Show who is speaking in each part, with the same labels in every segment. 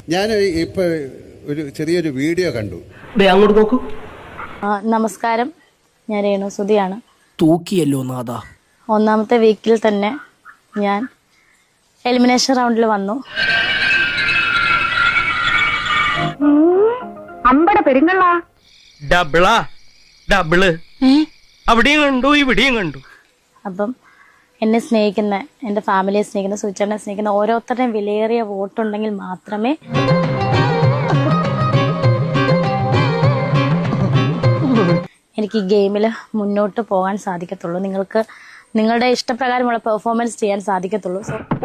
Speaker 1: ഞാൻ ഇപ്പൊ ഒരു ചെറിയൊരു വീഡിയോ കണ്ടു.
Speaker 2: അങ്ങോട്ട് നോക്കൂ.
Speaker 3: നമസ്കാരം, ഞാൻ രേണു സുധിയാണ്.
Speaker 2: തൂക്കിയല്ലോ നാഥ.
Speaker 3: ഒന്നാമത്തെ വീക്കിൽ തന്നെ ഞാൻ എലിമിനേഷൻ റൗണ്ടിൽ വന്നു.
Speaker 4: അമ്പട പെരുങ്ങളാ
Speaker 2: ഡബിള് അവിടെയും കണ്ടു ഇവിടെയും കണ്ടു.
Speaker 3: അപ്പം എന്നെ സ്നേഹിക്കുന്ന, എൻ്റെ ഫാമിലിയെ സ്നേഹിക്കുന്ന, സുചേട്ടനെ സ്നേഹിക്കുന്ന ഓരോരുത്തരുടെയും വിലയേറിയ വോട്ടുണ്ടെങ്കിൽ മാത്രമേ എനിക്ക് ഈ ഗെയിമിൽ മുന്നോട്ട് പോകാൻ സാധിക്കത്തുള്ളൂ. നിങ്ങൾക്ക് നിങ്ങളുടെ ഇഷ്ടപ്രകാരമുള്ള പെർഫോമൻസ് ചെയ്യാൻ സാധിക്കത്തുള്ളൂ.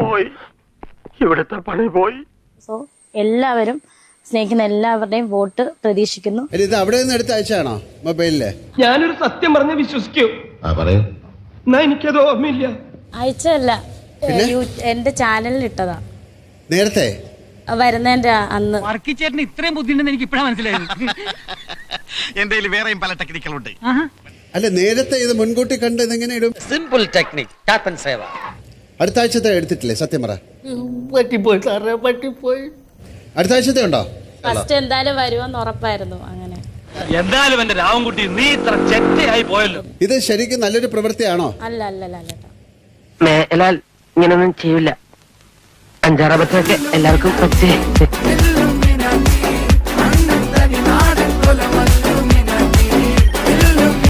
Speaker 3: സോ എല്ലാവരും സ്നേഹിക്കുന്ന എല്ലാവരുടെയും വോട്ട് പ്രതീക്ഷിക്കുന്നു.
Speaker 1: ഇത് അവിടെ നിന്ന് എടുത്ത് അയച്ചാണോ മൊബൈലില്?
Speaker 2: ഞാനൊരു സത്യം പറഞ്ഞ് വിശ്വസിക്കൂ. എന്നാ എനിക്കത് ഓർമ്മയില്ല.
Speaker 3: അയച്ചല്ല, എന്റെ ചാനലിൽ ഇട്ടതാ
Speaker 1: നേരത്തെ
Speaker 3: വരുന്നതിന്റെ അന്ന്.
Speaker 5: വർക്കിച്ചേട്ടന് ഇത്രയും ബുദ്ധിയുണ്ടെന്ന് എനിക്ക് ഇപ്പഴാ മനസ്സിലായത്.
Speaker 6: എന്റെ വേറെയും പല ടെക്നിക്കുകളുണ്ട്.
Speaker 1: അല്ല, നേരത്തെ ഇത് മുൻകൂട്ടി കണ്ട് ഇതെങ്ങനെ ഇടും?
Speaker 7: Simple technique, tap and save.
Speaker 1: അടുത്ത ആഴ്ചത്തെ എടുത്തിട്ടില്ലേ? സത്യം പറ.
Speaker 2: പറ്റിപ്പോയി സാറേ, പറ്റിപ്പോയി.
Speaker 1: അടുത്ത ആഴ്ചത്തെ ഉണ്ടോ?
Speaker 3: ഫസ്റ്റ് എന്തായാലും വരുമെന്ന് ഉറപ്പായിരുന്നു. അങ്ങനെ
Speaker 6: എന്തായാലും എന്റെ രാവൻകുട്ടി നീ ഇത്ര ചെറ്റയായി പോയല്ലോ.
Speaker 1: ഇത് ശരിക്കും നല്ലൊരു പ്രവൃത്തിയാണോ?
Speaker 3: അല്ല അല്ല അല്ല അല്ല.
Speaker 2: മേലാൽ ഇങ്ങനൊന്നും ചെയ്യില്ല. 5-6 എല്ലാവർക്കും